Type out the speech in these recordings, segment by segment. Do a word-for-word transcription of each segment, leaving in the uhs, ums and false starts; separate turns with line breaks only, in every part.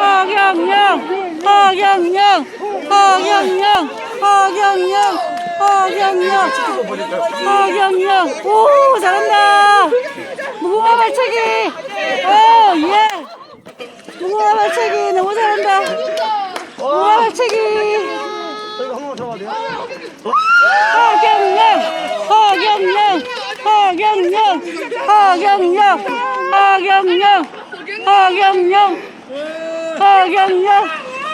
허경영, 허경영, 허경영, 허경영, 허경영, 허경영. 오, 잘한다. 무궁화 발차기. 오, 예. 무궁화 발차기 너무 잘한다. 무궁화 발차기. 허경영, 허경영, 허경영, 허경영, 허경영, 허경영, 허경영,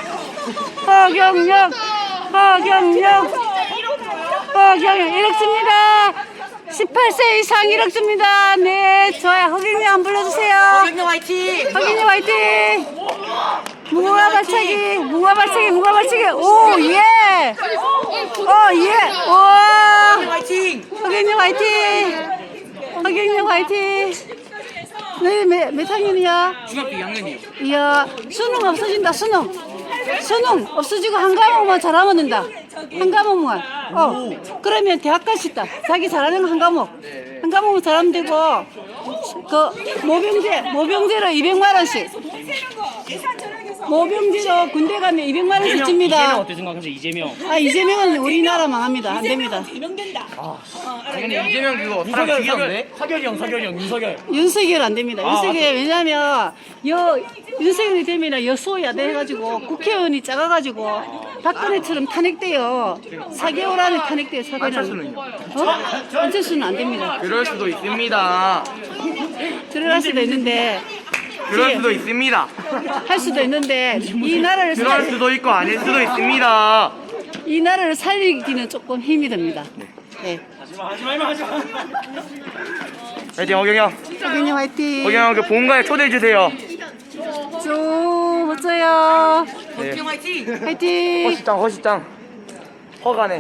허경영, 허경영, 허경영. 일억 줍니다. 십팔 세 이상 일억 줍니다. 네, 좋아요. 허경영 한번 불러주세요.
허경영 화이팅!
허경영 화이팅! 무궁화 발차기, 무궁화 발차기, 무궁화 발차기. 오, 예! 어, 예! 와!
화이팅!
허경영 화이팅! 허경영 화이팅! 너희 몇, 몇 학년이야?
중학교 이 학년이요.
이야, 수능 없어진다, 수능. 수능 없어지고 한 과목만 잘하면 된다. 한 과목만. 어, 그러면 대학 갈 수 있다. 자기 잘하는 거 한 과목. 한 과목만 잘하면 되고, 그, 모병제, 모병제로 이백만 원씩. 모병제로 군대 가면 이백만 원씩
이재명
줍니다.
어떻게 생각하세요? 이재명.
아, 이재명은 우리나라 망합니다. 안 됩니다.
근데 이재명 그거 사람
윤석열,
죽이던데?
사결, 사결이 형, 사결이 형, 윤석열.
윤석열 안 됩니다.
아,
윤석열 왜냐면 여 윤석열이 되면 여소야대 해가지고 국회의원이 작아가지고 박근혜처럼 탄핵돼요. 사 개월 안에 탄핵돼요. 사 개월 안에.
안철수는요?
어? 안철수는 안 됩니다.
그럴 수도 있습니다.
들어갈 수도 있는데
그럴 수도 있습니다.
할 수도 있는데 이 나라를
그럴
살,
수도 있고 아닐 수도 있습니다.
이 나라를 살리기는 조금 힘이 듭니다. 네.
하지마, 하지마, 하지마, 하지마.
화이팅 허경영.
허경영 화이팅.
허경영 그 본가에 초대해 주세요.
조 멋져요.
네.
화이팅. 화이팅.
허시장 허시장. 허가네.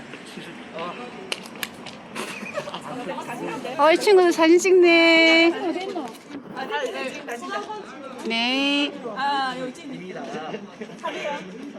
어, 이 친구들 사진 찍네. 네.